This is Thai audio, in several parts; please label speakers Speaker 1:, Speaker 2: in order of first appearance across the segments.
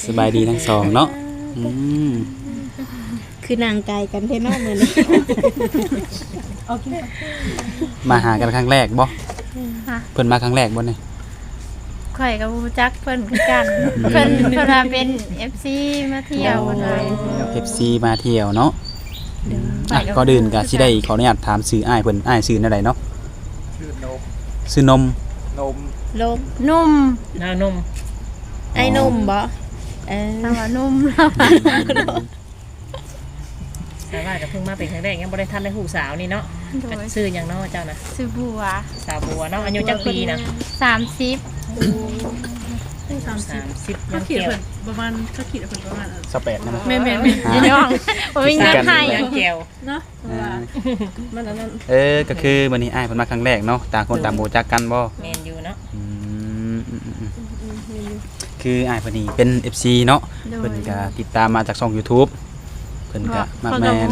Speaker 1: สบายดีทั้งสองเนาะ
Speaker 2: คือนางไกลกันเท่นอกมือนี่
Speaker 1: มาหากันครั้งแรกบ่เพิ่นมาครั้งแรกบ่เนี่ย
Speaker 3: ข่อยกับรู้จักเพิ่นคือกัน เพิ่นว่าเป็น FC มาเที่ยวเพิ่นว่า
Speaker 1: FC มาเที่ยวเนาะก็ดื่นก็สิได้ขออนุญาตถามชื่ออ้ายเพิ่นอ้ายชื่อแนวใดเนาะชื่อนม
Speaker 2: ลม
Speaker 3: นุ่ม
Speaker 4: น้านม
Speaker 2: ไอ้นมบ่
Speaker 3: ถ้าว่านุ่มแล้ว
Speaker 4: แต่ว่าก็เพิ่งมาเป็นครั้งแรกยังบ่ได้ทันได้หูสาวนี่เนาะชื่อหยังเนาะเจ้านะ
Speaker 3: ชื่อบัว
Speaker 4: สาวบัวเนาะอายุจักปีนะ
Speaker 3: 30
Speaker 4: 30
Speaker 5: เขา
Speaker 4: ยัง
Speaker 5: ขีด
Speaker 4: เกี่ยว
Speaker 5: เพิ่นประมาณเขาขีดเพิ่นประมาณ
Speaker 1: 28นะมั้ย
Speaker 5: แม่น
Speaker 3: พี่น้องบ่มีเงินให้
Speaker 4: ยังเกี่ยว
Speaker 5: เนาะเพราะว่ามันอันนั้น
Speaker 1: ก็คือมื้อนี้อ้ายเพิ่นมาครั้งแรกเนาะต่างคนต่างบ่รู้จักกันบ่
Speaker 4: แม่นอยู่เนาะ
Speaker 1: คืออ้ายเพิ่นนี่เป็น FC เนาะเพิ่นก็ติดตามมาจากช่อง YouTube เพิ่นก็มักแม่น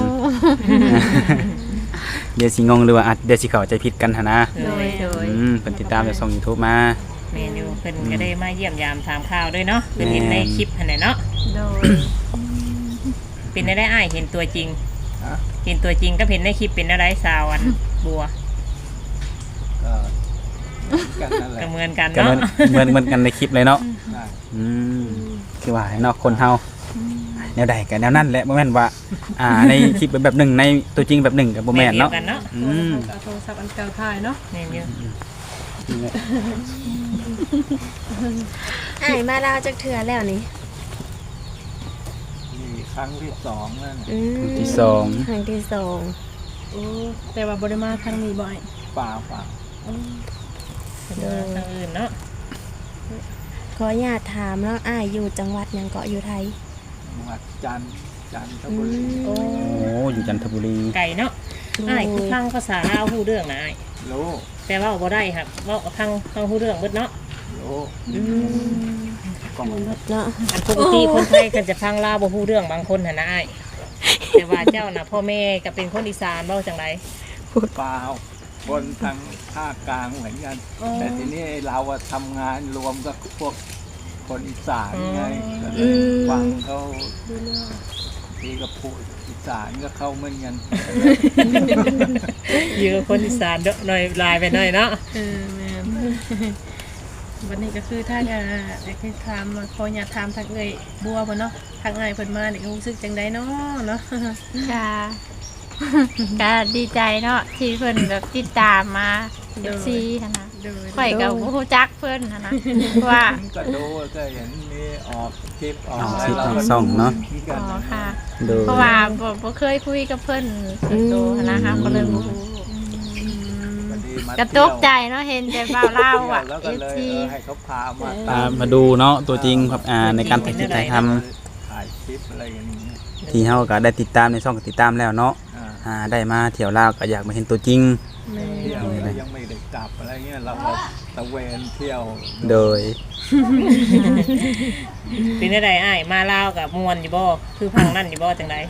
Speaker 1: เดี๋ยวสิงงหรือว่าอาจเดี๋ยวสิเข้าใจผิดกันหั่นนะ
Speaker 3: โดย
Speaker 1: เพิ่นติดตามจากช่อง YouTube มา
Speaker 4: แม่นอยู่เพิ่นก็ได้มาเยี่ยมยามถามข่าวด้วยเนาะเพิ่นเห็นในคลิปหั่นน่ะเนาะ
Speaker 3: โดย
Speaker 4: เป็นได้อ้ายเห็นตัวจริงเห็นตัวจริงก็เห็นในคลิปเป็นอะไรสาวอันบัว
Speaker 6: กันนั่นแหละ
Speaker 4: ก็เหมือนกัน
Speaker 1: ก็
Speaker 4: เนาะ
Speaker 1: เหมือนกันในคลิปเลยเนาะคือว่าเนาะคนเฮาแนวใดก็แนวนั้นแหละบ่แม่นว่าในคลิปเป็นแบบหนึ่งในตัวจริงแบบหนึ่งก็บ่แม่นเนาะ
Speaker 4: กันเนาะ
Speaker 5: เอาโทรศัพท์อันเก่าถ่ายเนาะ
Speaker 4: แม่นอยู่
Speaker 2: ไอ้มาลาวจักเทื่อแล้วนี่
Speaker 6: นี่ครั้งที่สองนั่น
Speaker 1: ที่สอง
Speaker 2: ครั้งที่สอง
Speaker 5: โอ้แต่ว่าบ่ได้มาครั้งนี้บ่อย
Speaker 6: ป่า
Speaker 4: เดินทางอื่นเนาะ
Speaker 2: ขออนุญาตถามแล้วอ้ายอยู่จังหวัดหยังเกาะอยู่ไทย
Speaker 6: จังหวัดจันทบุรี
Speaker 1: โอ้อยู่จันทบุรี
Speaker 4: ไก่เนาะอ้ายคือฟังภาษาลาวฮู้เรื่องนะอ้าย
Speaker 6: รู้
Speaker 4: แต่ว่าบ่ได้ครับเว้าฟังฮู้เรื่องเบิดเนาะ
Speaker 6: รู้กอง
Speaker 2: เนาะ
Speaker 4: อันปกติคนไทยก็จะฟังลาวบ่ฮู้เรื่องบางคนหั่นนะอ้ายแต่ว่าเจ้าน่ะพ่อแม่ก็เป็นคนอีสานเว้าจังได
Speaker 6: เปล่าคนทางภาคกลางเหมือนกัน แต่ทีนี้เราอะทำงานรวมกับพวกคนอีสานไงก็เลยฟังเขาทีก็พูดอีสานก็เข้าเหมือนกัน
Speaker 4: อยู่กับคนอีสานเด้อหน่อยลายไปหน่อยเนาะ
Speaker 5: แม่นวันนี้ก็คือถ้าอยากให้ถามขออยากถามทางเอ้ยบัวบ่เนาะทางอ้ายเพิ่นมานี่รู้สึกจังไดเนาะ
Speaker 3: ค่ะก็ดีใจเนาะที่เพิ่นแบบติดตามมา FC หั่นนะ
Speaker 5: โดย
Speaker 3: ข่อยก็บ่รู้จักเพิ่นหั่นนะว่า
Speaker 6: ก็ดูก็เห็นมีออกคลิปออก
Speaker 1: ออก
Speaker 6: อะไร
Speaker 1: คลิป
Speaker 6: เรา
Speaker 1: ออก
Speaker 6: ก็
Speaker 1: ช่องเนาะ
Speaker 6: กัน
Speaker 3: อ๋อค่ะ
Speaker 1: โดย
Speaker 3: เพราะว่าบ่เคยคุยกับเพิ่นส่วนตัวนะคะก็เลยบ่รู้
Speaker 6: พอดีมาก
Speaker 3: ระตกใจเนาะเห็นแต่บ่าวเล่าอ่ะ
Speaker 6: แล้วก็เลย
Speaker 3: FC
Speaker 6: ให้เขาพามา
Speaker 1: มาดูเนาะตัวจริงครับในการถ่ายคลิปถ่ายท
Speaker 6: ถ่ายคลิปอะไรอย่างนี้
Speaker 1: ำที่เฮาก็ได้ติดตามในช่องก็ติดตามแล้วเนาะ ได้มาเที่ยวลาวก็อยากมาเห็นตัวจริง
Speaker 6: เที่ยวแล้วยังไม่ได้กลับอะไรเงี้ยเราก็ตะเวนเที่ยว
Speaker 1: โดย
Speaker 4: เป็นได้อ้ายมาลาวกับม่วนอยู่บ่คือพังนั่นอยู่บ่จังได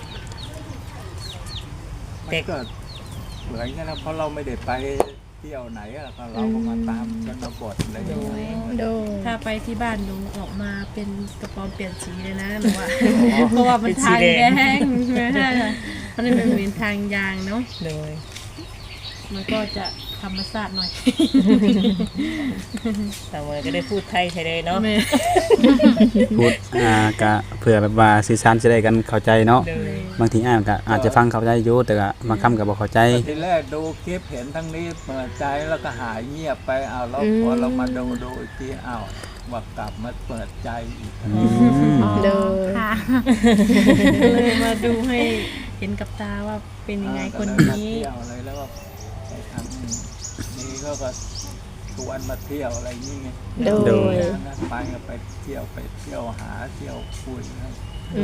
Speaker 6: มันก็เหมือนกันนะเพราะเราไม่ได้ไปเที่ยวไหนอะก็เราก็มาตามชนบทอะไรอย่างเงี้ย
Speaker 2: โดย
Speaker 5: ถ้าไปที่บ้านหนูออกมาเป็นกระป๋อมเปลี่ยนสีเลยนะหนูว่า เพราะว่ามันทางแดงไม่ใช่ค่ะมันเป็นทางยางเนาะ
Speaker 4: เลย
Speaker 5: มันก็จะธรรมชาติหน่อย
Speaker 4: แต่เมื่อก็ได้พูดไทยใช่เลยเนาะ
Speaker 5: แม่
Speaker 1: พูดก็เผื่อแบบว่าสื่อสารจะได้กันเข้าใจเนาะ
Speaker 4: เลย
Speaker 1: บางทีก็อาจจะฟังเข้าใจอยู่แต่ก็บางคำก็บ่เข้าใจ
Speaker 6: ทีแรกดูคลิปเห็นทั้งนี้เปิดใจแล้วก็หายเงียบไปเอาแล้วพอเรามาดูอีกทีอ้าวว่ากลับมาเปิดใจอีก
Speaker 2: โดย
Speaker 3: ค่ะ
Speaker 5: ก็เลยมาดูให้เห็นกับตาว่าเป็นยังไงคน
Speaker 6: ก็เลยมา
Speaker 5: นี้
Speaker 6: เที่ยวอะไรแล้วก็ไปทำนี่ก็ชวนมาเที่ยวอะไรนี่ไง
Speaker 2: โดย
Speaker 6: นะไปก็ไปเที่ยวหาเที่ยวคุยนะ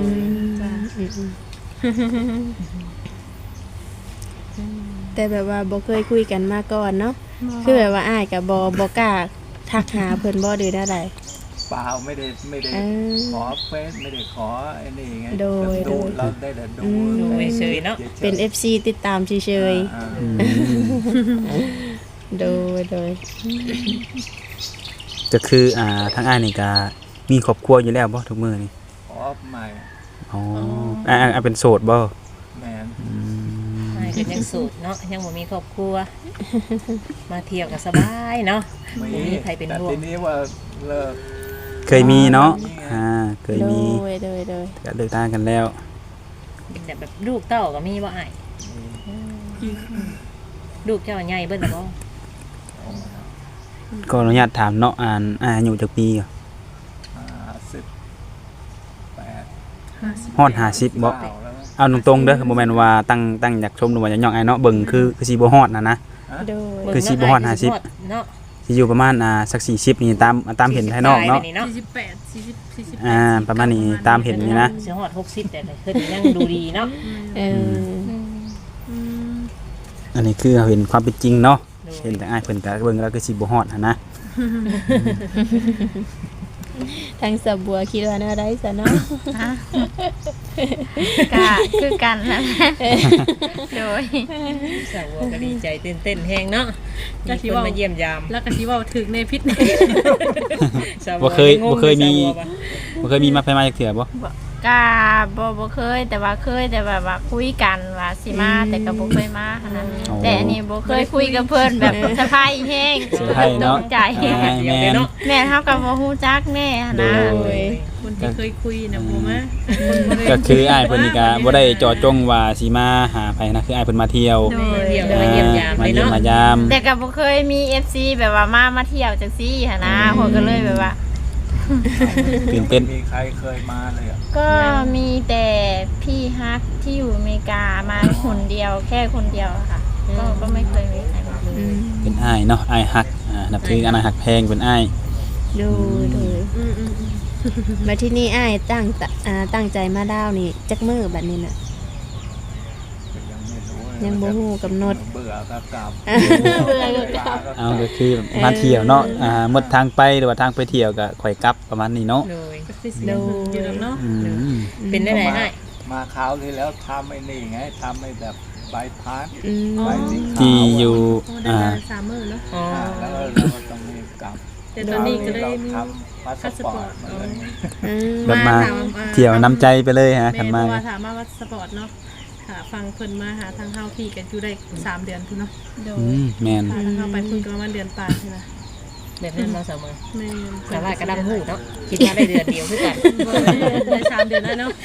Speaker 2: แต่แบบว่าบ่เคยคุยกันมาก่อนเนาะคือแบบว่าอ้ายกับบ่กล้าทักหาเพิ่นบ่ดื้อได้ใด
Speaker 6: เปล่าไม่ได้ขอเฟซไม่ได้ขอไอ้นี่ไง
Speaker 2: โดย
Speaker 6: ดูเราได้แต่ดู
Speaker 4: ดูเฉยๆเนาะ
Speaker 2: เป็น FC ติดตามเฉยๆโดย
Speaker 1: ก็คือทางอ้ายนี่ก็มีครอบครัวอยู่แล้วบ่ทุกมื้อนี่
Speaker 6: ออฟใหม่
Speaker 1: อ๋อเป็นโสดบ่
Speaker 6: แมน
Speaker 4: อ้ายก็ยังโสดเนาะยังบ่มีครอบครัว มาเที่ยวก็สบายเนาะ
Speaker 6: ไม่
Speaker 4: บ่มีใครเป็น
Speaker 6: แต่
Speaker 4: ห่ว
Speaker 6: ที
Speaker 4: ง
Speaker 6: นี้ว่าเลิก
Speaker 1: เคยมีเนาะเคย
Speaker 2: โด
Speaker 1: มี
Speaker 2: ยโดย
Speaker 1: ก็เลิกทางกันแล้ว
Speaker 4: แต่แบบลูกเต้าก็มีบ่อ้ายลูกเจ้าใหญ่เบิ่นล่ะบ่
Speaker 1: ก็อนุญาตถามเนาะอายุจักปีก็
Speaker 6: 58
Speaker 1: ฮอด50บ่
Speaker 6: แล้ว
Speaker 1: เอาตรงๆเด้อบ่แม่นว่าตั้งอยากชมหรือว่าอยากย่องไอ้เนาะเบิ่งคือสิบ่ฮอดนะ
Speaker 2: โดย
Speaker 1: คือสิบ่ฮอด50
Speaker 4: เนาะ
Speaker 1: สิอยู่ประมาณสัก40นี่ตามเห็นภายนอกเนาะ
Speaker 5: 48
Speaker 1: ประมาณนี้ตามเห็นนี่นะ
Speaker 4: สิฮอด60แต่เพิ่นยังดูดีเนาะ
Speaker 2: เออ
Speaker 1: อันนี้คือเห็นความเป็นจริงเนาะเห็นแต่อ้ายเพิ่นก็เบิ่งแล้วคือสิบ่ฮอดหั่นนะ
Speaker 2: ทางสะบัวคิดว่าแนวใดซะเนาะ
Speaker 3: ฮะก็คือกันนั่นแหละโดย
Speaker 4: สาวก็ดีใจตื่นเต้นแฮงเนาะมีคนมาเยี่ยมยาม
Speaker 5: แล้วก็สิเว้าถึกในพิษใน
Speaker 4: สาว
Speaker 1: บ่เคยมีมาไปมาจักเทื่อบ่
Speaker 3: ก็บ่เคยแต่ว่าเคยแต่ว่าคุยกันว่าสิมาแต่ก็บ่เคยมาขนาดนั้นแต่อันนี้บ่เคยคุยกับเพิ่นแบบสะพายแห้ง
Speaker 1: เซอร์ไพรส์เนาะ
Speaker 3: ตกใจ
Speaker 4: เดียวเลยเนาะ
Speaker 3: แม่เฮาก็บ่ฮู้จักแน่หั้นนะ
Speaker 1: โดย
Speaker 5: คนที่เคยคุยนะบ่มา
Speaker 1: ก็คืออ้ายเพิ่นนี่ก็บ่ได้เจาะจงว่าสิมาหาไผนะคืออ้ายเพิ่นมาเที่ยว
Speaker 4: มาเที่ยวมาเยี่ยมยาม
Speaker 1: มา
Speaker 4: เลย
Speaker 1: เยี่ยม
Speaker 4: เนาะ
Speaker 1: มายาม
Speaker 3: แต่ก็บ่เคยมี FC แบบว่ามาเที่ยวจังซี่หั้นนะเพิ่นก็เลยแบบว่า
Speaker 1: ตื่นเต้น
Speaker 6: มีใครเคยมาเลยอ่ะ
Speaker 3: ก็มีแต่พี่ฮักที่อยู่อเมริกามาคนเดียวแค่คนเดียวอะค่ะก็ไม่เคยมีใครมา
Speaker 2: อืม
Speaker 1: เป็นอ้ายเนาะอ้ายฮักนับถืออ้ายฮักแพงเป็นอ้าย
Speaker 2: โดยมาที่นี่อ้ายตั้งใจมาดาวนี่จักมื้อบัดนี้น่ะ ยังบ่ฮู้กำหนด
Speaker 6: เบื่อก็กลับ
Speaker 2: เบื่อก็กลับ
Speaker 1: เอาก็คือมาเที่ยวเนาะหมดทางไปหรือว่าทางไปเที่ยวก็ค่อยกลับประมาณนี้เนาะ
Speaker 4: โดย
Speaker 5: โดอยู่แล้วเนาะ
Speaker 1: อืม
Speaker 4: เป็นได้ไหนให้
Speaker 6: มาคราวที่แล้วทำไอ้นี่ไงทำไอ้แบบใบพัด
Speaker 2: อืม
Speaker 6: ใบสีขาว
Speaker 1: ที่อยู่
Speaker 5: โอ้ได้มา3มื้อเนาะ
Speaker 4: อ๋อ
Speaker 6: แล้วเราก็ต้องมีกลับ
Speaker 5: แต่ตอนนี้ก็ได้
Speaker 6: เรา
Speaker 5: มี
Speaker 6: ทำพาสปอร์ตมาเลย
Speaker 2: อืม
Speaker 1: แบบมาเที่ยวน้ำใจไปเลยฮะ
Speaker 5: แม่
Speaker 1: คัน
Speaker 5: เพ
Speaker 1: มา
Speaker 5: ราะว่าถามมาว่าสปอร์ตเนาะค่ะฟังเพิ่นมาหาทางเฮาพี่กันอยู่ได้3เดือนพุ่นเนาะ
Speaker 1: แม่น
Speaker 5: พาทางเฮาไปพุ่นก็ประมาณเดือนปลายนี่นะ
Speaker 4: แบบนั้นมาเสมอ
Speaker 5: แม่น
Speaker 4: แต่ว่ากระดังหูเนาะคิดว่าได้เดือนเดียวคือกัน
Speaker 5: ได้3เดือนแล้วเนาะ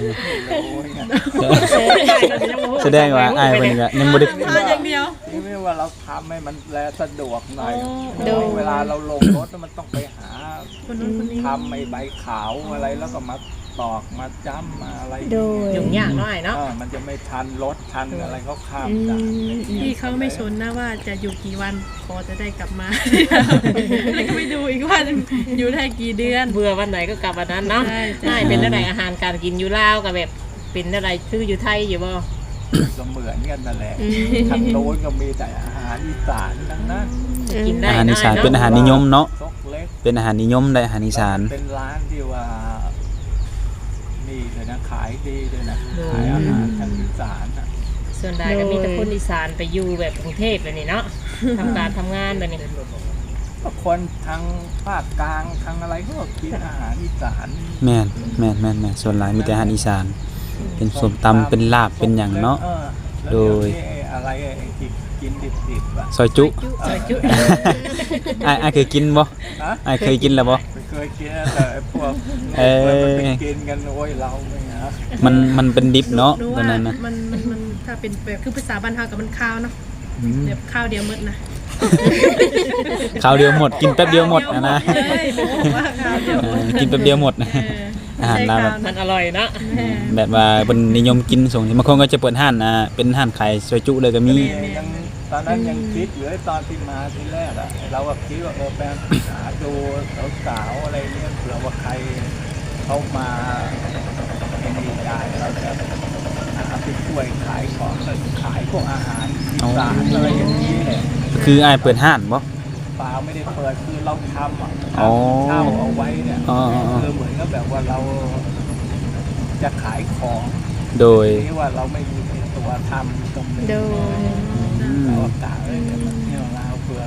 Speaker 1: แสดงว่าอ้ายเพิ่นก็ยังบ่ได้
Speaker 5: พาอย่างเดียว
Speaker 6: นี่ไม่ว่าเราทำให้มันแลสะดวกหน่อย
Speaker 2: โดย
Speaker 6: เวลาเราลงรถมันต้องไปหา
Speaker 5: คนนู้นคนนี้
Speaker 6: ทำไอ้ใบขาวอะไรแล้วก็มาตอกมาจ้ำมาอะไร
Speaker 2: โดย
Speaker 4: ยุ่งยากหน่อยเนาะ
Speaker 6: มันจะไม่ทันรถทันอะไรเขาข้าม
Speaker 2: อื
Speaker 6: ด่าน
Speaker 2: ม
Speaker 5: พี่เขาไม่สนนะว่าจะอยู่กี่วันขอจะได้กลับมา ไม่ดูอีกว่าอยู่ได้กี่เดือน
Speaker 4: เบื่อวันไหนก็กลับวันนั้นเนาะ
Speaker 5: ใช่
Speaker 4: ใช่เป็นอะไรอาหารการกินอยู่ลาวกับแบบเป็นอะไรคืออยู่ไทยอยู่บ่
Speaker 6: ก็เหมือนกันนั่นแหละ
Speaker 2: อืม
Speaker 6: ทางโน้นก็มีแต่อาหารอีสานทั้งนั้น
Speaker 4: กินได้
Speaker 1: อาหารอีสาน
Speaker 4: ได้
Speaker 1: เป็นอาหารนิยมเนาะ
Speaker 6: ซกเล็ก
Speaker 1: เป็นอาหารนิยมได้อาหารอีสาน
Speaker 6: เป็นร้านที่ว่านี่เลยนะขายดีเลยนะขายอาหารทางอีสานนะ
Speaker 4: ส่วนใหญ่ก็มีแต่คนอีสานไปอยู่แบบกรุงเทพแบบนี้เนาะทำการทำงานแบบนี้
Speaker 6: ก็คนทางภาคกลางทางอะไรก็กินอาหารอีสาน
Speaker 1: แม่นส่วนหลายมีแต่อาหารอีสาน เป็นส้มตำเป็นลาบเป็นหยังเนาะ
Speaker 6: แล้ว
Speaker 1: โดย
Speaker 6: เดี๋วนี้อะไรไอ้ที่กินดิบๆอ่ะ
Speaker 1: ซอยจุ
Speaker 4: ซอยจุ
Speaker 1: อ้ายเคยกินบ่
Speaker 6: ฮะ
Speaker 1: อ้ายเคยกินแล้วบ่
Speaker 6: ไม่เคยกินนะแต่ไอ้พวก
Speaker 1: เอ้ย
Speaker 6: มันไปกินกันโอ้ยเราไม่นะ
Speaker 1: มันเป็นดิบเนาะ
Speaker 5: รู้
Speaker 1: ตอ
Speaker 5: ว่าน
Speaker 1: นั้นนะ
Speaker 5: มันถ้าเป็นแบบคือภาษาบ้านเฮากับมันข้าวเนาะ
Speaker 1: อืม
Speaker 5: แบบข้าวเดียวหมดนะ
Speaker 1: ข้าวเดียวหมดกินแป๊บเดียวหมดนะ
Speaker 5: เอ้ยบอกว่าข้าวเดียวหมด
Speaker 1: กินแป๊บเดียวหมดนะ
Speaker 5: เออ
Speaker 1: อาหารลาวแบบ
Speaker 4: มันอร่อยเนาะ
Speaker 5: แม่
Speaker 1: แบบว่าเป็นนิยมกินส่งบางคนก็จะเปิดห้านเป็นห้านขายซอยจุเลยก็มี
Speaker 6: ยังตอนนั้นยังคิดอยู่ไอ้ตอนที่มาที่แรกอะเราก็คิดว่าแปลงหาดูสาวๆอะไรเนี่ยเผื่อว่าใครเขามาไอ้นี่ได้เราจะหาไปช่วยขายของขายพวกอาหารอีสานอะไรอย่างนี้แหละ
Speaker 1: คืออ้ายเปิดห้านบ่
Speaker 6: เปล่าไม่ได้เปิดคือเราทำอ่ะ
Speaker 1: อ๋อ
Speaker 6: เช่าเอาไว้เนี่ย
Speaker 1: อ๋อ
Speaker 6: คือเหมือนกับแบบว่าเราจะขายของ
Speaker 1: โดย
Speaker 6: ที่ว่าเราไม่มีตัวทำตรงนี้
Speaker 2: โดย
Speaker 6: เรากะเลยเนี่ยมันเที่ยวเราเผื่อเป็น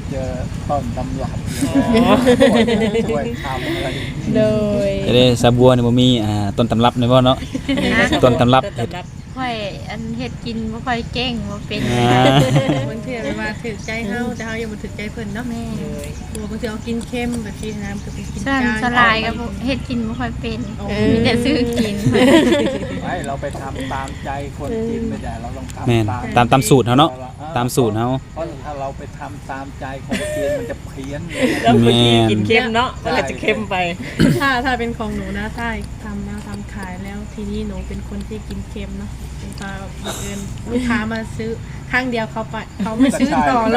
Speaker 6: เจอต้นตำรับช่วยทำอะไร
Speaker 2: โดย
Speaker 1: จะได้สาบัวนี่บ่มีต้นตำรับในบ่เนาะต้นตำรับเฮ็ด
Speaker 3: ค่อยอันเฮ็ดกินบ่ค่อยเก่งบ่เป็น
Speaker 5: บางทีแบบว่าถึกใจเฮาแต่เฮายังบ่ถึกใจเพิ่นเนาะ
Speaker 3: แม่
Speaker 5: ตัวบางทีเอากินเค็มแบบที่น้ำก็ไปกิน
Speaker 3: ส่วน
Speaker 5: จาน
Speaker 3: สลายก็บ่เฮ็ดกินบ่ค่อยเป็น
Speaker 5: โอ้
Speaker 3: มีแต่ซื้อกิน
Speaker 6: ไม่เราไปทำตามใจคนกินไม่ได้เราต้อง
Speaker 1: แม่น
Speaker 6: ทำ
Speaker 1: ตามสูตรเฮาเนาะตามสูตรเฮา
Speaker 6: เพราะถ้าเราไปทำตามใจคนกินมันจะเพี้ยนเลย
Speaker 4: แล้วเมื่อกี้กินเค็มเนาะก็เลยจะเค็มไป
Speaker 5: ถ้าเป็นของหนูนะถ้าทำแล้วทำขายแล้วทีนี้หนูเป็นคนที่กินเค็มเนาะพอบังเอิญลูกค้ามาซื้อครั้งเดียวเขาไปเขาไม่ซื้อต่อเลย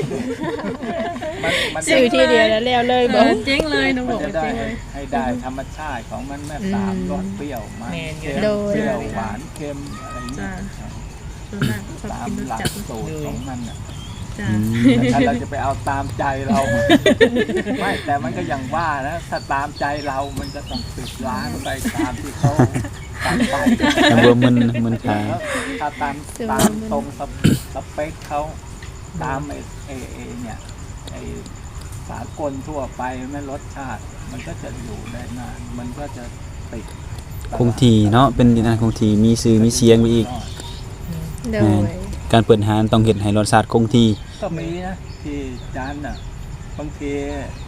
Speaker 6: มัน
Speaker 2: ซื้อที่เดียวแล้วแล้วเลยบ่
Speaker 5: เจ๊งเลยหนูบ
Speaker 6: มั
Speaker 5: อน ก
Speaker 6: จะ
Speaker 5: ว่า
Speaker 6: ได้
Speaker 5: เจ๊งเลย
Speaker 6: ให้ได้ธรรมชาติของมันแม่สามรสเปรี้ยวมัน
Speaker 4: แม่นอยู่
Speaker 6: เค็มเปรี้ยวหวานเค็มอะไรอย่างเงี้ย
Speaker 5: ส่วนมากชอบ
Speaker 6: ตาม
Speaker 5: กินรส
Speaker 6: หลัก
Speaker 5: จัด
Speaker 6: สูตรของมันอ่ะ
Speaker 5: จ้า
Speaker 6: แต่ถ้าเราจะไปเอาตามใจเรา ไม่แต่มันก็อย่างว่านะถ้าตามใจเรามันก็ต้องปิดร้านไปตามที่เขาตั้งไป
Speaker 1: สาบัวมันขาย
Speaker 6: ถ้าตามตรงสเปคเขาตามไอ้เนี่ยไอ้สากลทั่วไปไม่รสชาติ มันก็จะอยู่ได้นานมันก็จะติด
Speaker 1: คงที่เนาะเป็นดินอันคงที่มีชื่อมีเสียงไปอีก
Speaker 2: โดย
Speaker 1: การเปิดร้านต้องเฮ็ดให้รสชาติคงที่
Speaker 6: ก็มีนะที่จานน่ะบางที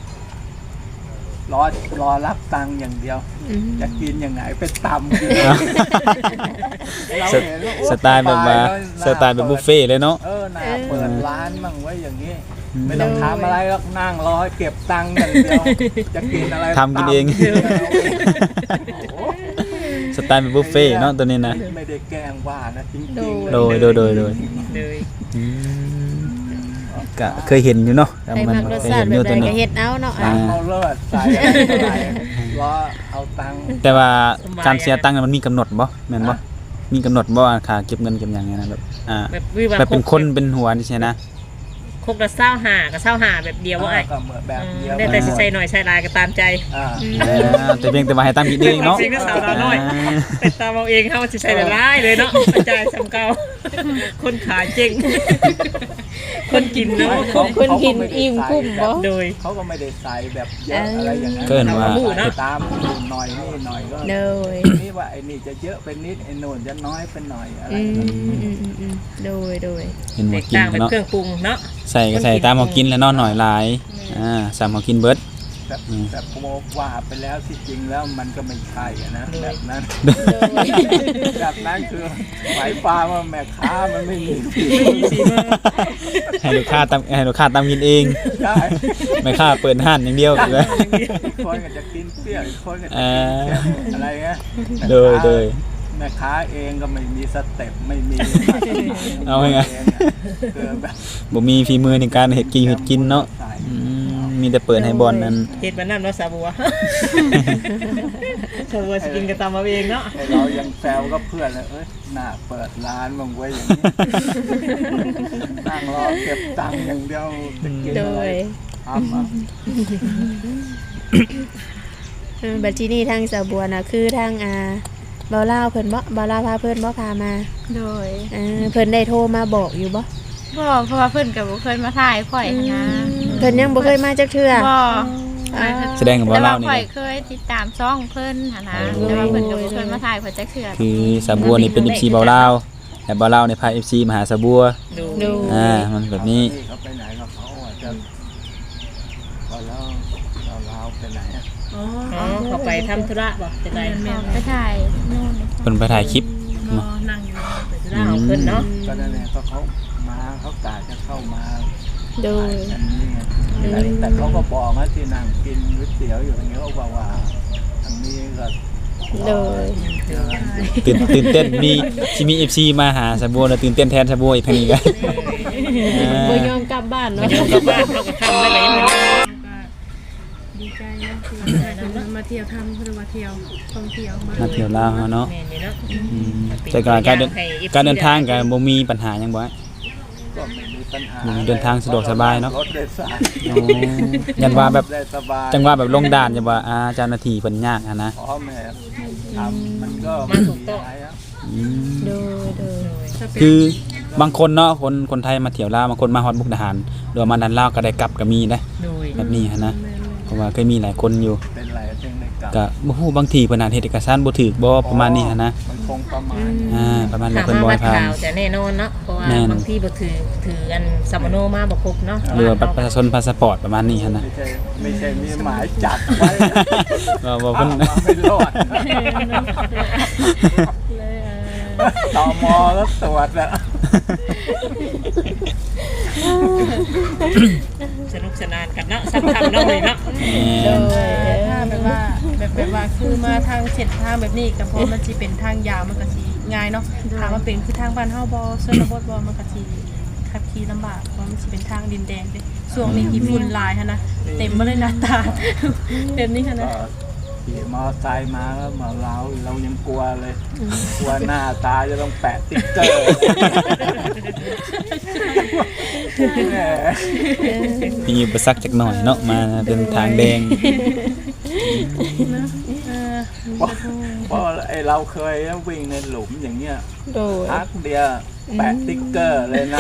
Speaker 6: รอรับตังค์อย่างเดียว จะกินยังไงไปตำกินเราเห็นว่าโอ้
Speaker 1: สไตล์แบบว่าสไตล์แบบบุฟเฟ่ต์เลยเนาะ
Speaker 6: น่าเปิดร้านมั่งไว้อย่างนี้ ไม่ต้องทำอะไรหรอกนั่งรอให้เก็บตังค์อย่างเดียว จะกินอะไร
Speaker 1: ทำกินเอง
Speaker 6: โอ้โห
Speaker 1: สไตล์แบบบุฟเฟ่ต์เนาะตัวนี้นะ
Speaker 6: ไม่ได้แกล้งว่านะจริงๆ
Speaker 1: โดย
Speaker 4: เลย
Speaker 1: อืมก็เคยเห็นอยู่เนาะ
Speaker 2: ใครมักรสชาติแบบใดก็เฮ็ดเอาเนาะ
Speaker 6: ตังค์เอาเลิศใส่อะไรรอเอาตังค์
Speaker 1: แต่ว่าการเสียตังค์มันมีกำหนดบ่แม่นบ่มีกำหนดบ่ว่าค่าเก็บเงินเก็บหยังไงนะแบบ
Speaker 4: แบบวิวา
Speaker 1: แบบเป็นคนเป็นหัวนี่ใช่นะ
Speaker 4: คกละ25กับ25แบบเดียวว่าไอ้
Speaker 6: ก็เหมือนแบบเดียว
Speaker 4: ได้แต่สิใส่หน่อยใส่หลายก็ตามใจ
Speaker 1: แต่เพียงแต่ว่าให้ตามคิดเองเนาะ
Speaker 4: จริงๆก็สาวน้อยไปตามเอาเองเฮาสิใส่หลายเลยเนาะจ่ายสำเก่าคนขายเจ๊งคนกินเนาะ
Speaker 2: คนกินอิ่มคุ้มบ่
Speaker 4: โดย
Speaker 6: เขาก็ไม่ได้ใส่แบบเยอะอะไรอย่างนั้น
Speaker 1: เกินว่า
Speaker 6: ตามหน่อยนี่หน่อยก็
Speaker 2: โดย
Speaker 6: นี่ว่าไอ้นี่จะเยอะเป็นนิดไอ้โน่นจะน้อยเป็นหน่อยอะไร
Speaker 2: โดย
Speaker 1: เห็น
Speaker 4: แต
Speaker 1: ว่าก กิน
Speaker 4: ต่างเป็น
Speaker 1: เนาะ
Speaker 4: เครื่องปรุงเนาะ
Speaker 1: ใส่ก็ใส่ตามเขากินแล้วเนาะหน่อยหลายสามเขากินเบิด
Speaker 6: แต่ผมว่าไปแล้วที่จริงแล้วมันก็ไม่ใช่อะนะแบบนั้นแบบนั้นคือหมายความว่าแม่ค้ามันไม่มีฝีมือ
Speaker 1: ให้ลูกค้าตามกินเอง
Speaker 6: ได้
Speaker 1: ไม่ค่าเปิดห้านอย่างเดียวเลย
Speaker 6: อีกคนก็จะกินเปรี้ยวอีกคนก็จะกินเค็มอะไรเงี้ย
Speaker 1: โดย
Speaker 6: แม่ค้าเองก็ไม่มีสเต็ปไม่มี
Speaker 1: เอาไง
Speaker 6: คือแบบ
Speaker 1: บ่มีฝีมือในการเฮ็ดกินเนาะ
Speaker 6: ใส่
Speaker 1: มีแต่เปิดให้บอลนั้น
Speaker 4: เฮ็ดมันนั่นเนาะสาบัวสาบัวสิกินก็ตามเอาเองเนาะ
Speaker 6: ไอ้เรายังแซวก็เพื่อนเลยน่าเปิดร้านมึงไว้อย่างนี้ นั่งรอเก็บตังค์อย่างเดียวจะกิน
Speaker 2: โด
Speaker 6: อะไร
Speaker 2: ย
Speaker 6: ทำอ่ะ
Speaker 2: บัดที่นี่ทางสาวบัวน่ะคือทางบ่าวลาวเพิ่นบ่าวลาวพาเพิ่นบ่พามา
Speaker 3: โดย
Speaker 2: เพิ่นได้โทรมาบอกอยู่บ่
Speaker 3: บ่เพราะว่าเพิ่นก็บ่เคยมาถ่ายข่อยนะ
Speaker 2: เพิ่นยังบ่เคยมาจักเทื่อ
Speaker 3: บ่
Speaker 1: แสดงกับ
Speaker 3: แต่
Speaker 1: ว่า
Speaker 3: ว่า
Speaker 1: เล่านี่
Speaker 3: ข่อยเคยติดตามช่องเพิ่นหั่นนะแต่ว่าเพิ่นก็บ่เคยมาถ่ายข่อยจักเทื่อ
Speaker 1: คือสาบัวนี่เป็น FC เบาลาวแต่เบาลาวในพา FC มาหาสาบัว
Speaker 4: ดู
Speaker 1: มันแบบนี้
Speaker 6: เขาไปไหนกับเขาอ่ะจะพอแล้วเราไปไหนอ่ะ
Speaker 5: อ๋อ
Speaker 4: อ๋อเขาไปทำธุระบ่จะได้
Speaker 3: ไปถ่ายนู่น
Speaker 1: เพิ่นไปถ่ายคลิป
Speaker 5: นั่งอยู่ไปจะ
Speaker 4: ธุระของเพิ่นเนาะ
Speaker 6: ก็นั่นแหละก็เขามาเขากะจะเข้ามา
Speaker 2: โดย
Speaker 6: อันนี้ไงแต่เขาก็บอกว่าที่นั่งกินก๋วยเตี๋ยวอยู่อย่างเงี้ยเขาบอกว่าทางนี้ก็
Speaker 2: โดย
Speaker 1: ตื่นเต้นมีที่มี FC มาหาสาบัวแล้วตื่นเต้นแทนสาบัวอีกทางนี้กัน
Speaker 2: บ่ยอมกลับบ้านเนาะ
Speaker 4: เดี๋ยวกลับบ้านเราก็ทำได้เลยมัน
Speaker 5: ก็ดีใจเนาะที่มาเที่ยวทำเพื่อมาเที่ยวท่องเที่ยว
Speaker 1: มาเที่ยวลาวเนาะ
Speaker 4: แม่นนี่เนาะ
Speaker 1: แต่การเดินทางก็บ่มีปัญหาหยังบ่
Speaker 6: ก็ไม่มีปัญหา
Speaker 1: เดินทางสะดวกสบายเนาะ
Speaker 6: รถโดยสาร
Speaker 1: ยันว่าแบบ
Speaker 6: ได้สบาย
Speaker 1: จังว่าแบบลงด่านจะว่าเจ้าหน้าที่เพิ่นยากนะ
Speaker 6: พร้อมแม่ทำมันก็
Speaker 4: มาถูกต้อง
Speaker 2: โดย
Speaker 1: คือบางคนเนาะคนไทยมาเที่ยวลาวบางคนมาฮอดมุกดาหารโดยมาดันลาวก็ได้กลับก็มีนะ
Speaker 4: โดย
Speaker 1: แบบนี้หันนะเพราะว่าเคยมีหลายคนอยู่
Speaker 6: เป็นไรถึงได้กลับ
Speaker 1: ก็บ่ฮู้บางทีเพิ่นอาจเฮ็ดเอกสารบ่ถูกบ่ประมาณนี้หันนะ
Speaker 6: มันคงประมาณ
Speaker 1: ประมาณนี้
Speaker 4: ถาม
Speaker 1: เพิ่นบ่
Speaker 4: ว่า
Speaker 1: ให้
Speaker 4: บัตร
Speaker 1: ผ่าน
Speaker 4: ขาวจะแน่นอนเนาะเพราะว่า
Speaker 1: แน่น
Speaker 4: บางที่บ่ถืออันสัมมโนมาบ่ครบเนาะ
Speaker 1: หรือว่าบัตรประชาชนพาสปอร์ตประมาณนี้หันนะ
Speaker 6: ไม่ใช่มีหมายจับไว้
Speaker 1: ว่าเพิ่น
Speaker 6: เอามาไม่รอดตมแล้วตรวจแล้ว
Speaker 4: สนุกสนานกันเนาะสักคำเนาะเลยเนาะ
Speaker 2: โดย
Speaker 5: ถ้าแบบว่าคือมาทางเส้นทางแบบนี้ก็เพราะมันสิเป็นทางยาวมันก็สิง่ายเนาะถามว่าเป็นคือทางบ้านเฮาบ่ชนบทบ่มันก็สิขับขี่ลำบากเพราะมันสิเป็นทางดินแดงเด้ช่วงนี้ที่ฝุ่นหลายหั่นนะเต็มบ่เลยหน้าตาแบบนี้หั่นนะ
Speaker 6: ก็ขี่มอไซค์มาแล้วมาเรายังกลัวเลย กลัวหน้าตาจะต้องแปะติ๊กเกอร์แหม
Speaker 1: มีอุปสรรคจักหน่อยเนาะมาเป็นทางแดง
Speaker 6: เพราะไอเราเคยวิ่งในหลุมอย่างเงี้ย
Speaker 2: โดย
Speaker 6: พักเดียวแปะติ๊กเกอร์เลยนะ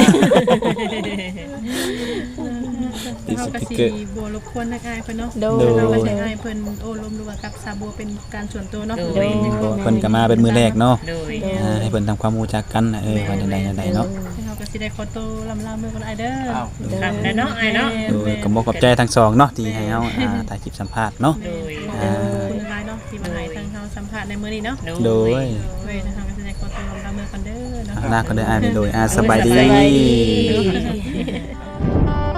Speaker 1: ติด
Speaker 5: เฮา
Speaker 1: ส
Speaker 5: ก็
Speaker 1: ติ๊ก
Speaker 5: สิ
Speaker 1: เกอร์
Speaker 5: บ่รบกวนนักอายเพิ่นเนาะ
Speaker 2: โดย
Speaker 5: เราก็สิให้เพิ่นโอ้ลมดูว่ากับซาบัวเป็นการส่วนตัวเนาะ
Speaker 1: เพิ่นก็มาเป็นมือแรกเนาะ
Speaker 4: โดย
Speaker 1: ให้เพิ่นทำความรู้จักกันว่าใดๆเนาะ
Speaker 5: เฮาก็สิได้ขอตัวลำลามือกันไอเด้อ
Speaker 6: อ้าว
Speaker 4: ทำได้เนาะไอ้เนาะ
Speaker 1: โดยก็บ่ขอบใจทั้งสองเนาะที่ให้เฮาถ่ายคลิปสัมภาษณ์เนาะ
Speaker 4: โดย
Speaker 5: ขอบคุณหลายเนาะที่มาให้ทางเฮาสัมภาษณ์ในมื้อนี้เนาะ
Speaker 1: โดย
Speaker 5: เว้ยนะคะก็สิได้ขอตัวลำลามือกันเด้อเนาะ
Speaker 1: หน้าก็ได้อ่านไปโดยสบายดี
Speaker 2: สบายดี